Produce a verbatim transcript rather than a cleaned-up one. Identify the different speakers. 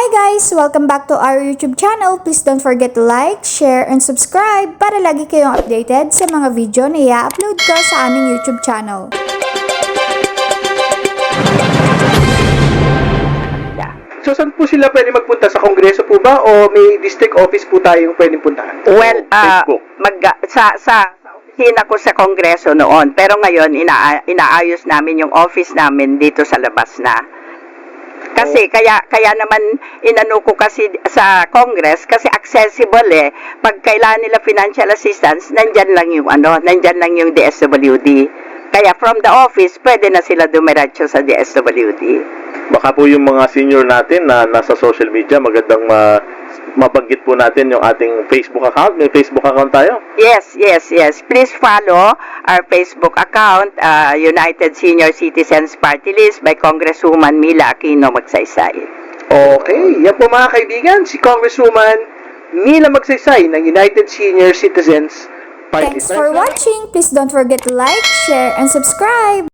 Speaker 1: Hi guys! Welcome back to our YouTube channel. Please don't forget to like, share, and subscribe para lagi kayong updated sa mga video na i-upload ko sa aming YouTube channel.
Speaker 2: So, saan po sila pwede magpunta? Sa kongreso po ba? O may district office po tayong pwedeng puntahan?
Speaker 3: Well, uh,
Speaker 2: Facebook.
Speaker 3: mag, sa, sa opisina ko sa kongreso noon, pero ngayon ina, inaayos namin yung office namin dito sa labas na. Kasi kaya kaya naman inano ko kasi sa Congress kasi accessible eh. Pag kailangan nila financial assistance, nandyan lang yung ano, nandyan lang yung D S W D. Kaya from the office, pwede na sila dumiretso sa D S W D.
Speaker 4: Baka po yung mga senior natin na nasa social media, magandang ma mabanggit po natin yung ating Facebook account. May Facebook account tayo?
Speaker 3: Yes, yes, yes. Please follow our Facebook account, uh, United Senior Citizens Party List by Congresswoman Mila Aquino Magsaysay.
Speaker 2: Okay, yan po mga kaibigan, si Congresswoman Mila Magsaysay ng United Senior Citizens Party
Speaker 1: Thanks for watching. Please don't forget to like, share, and subscribe.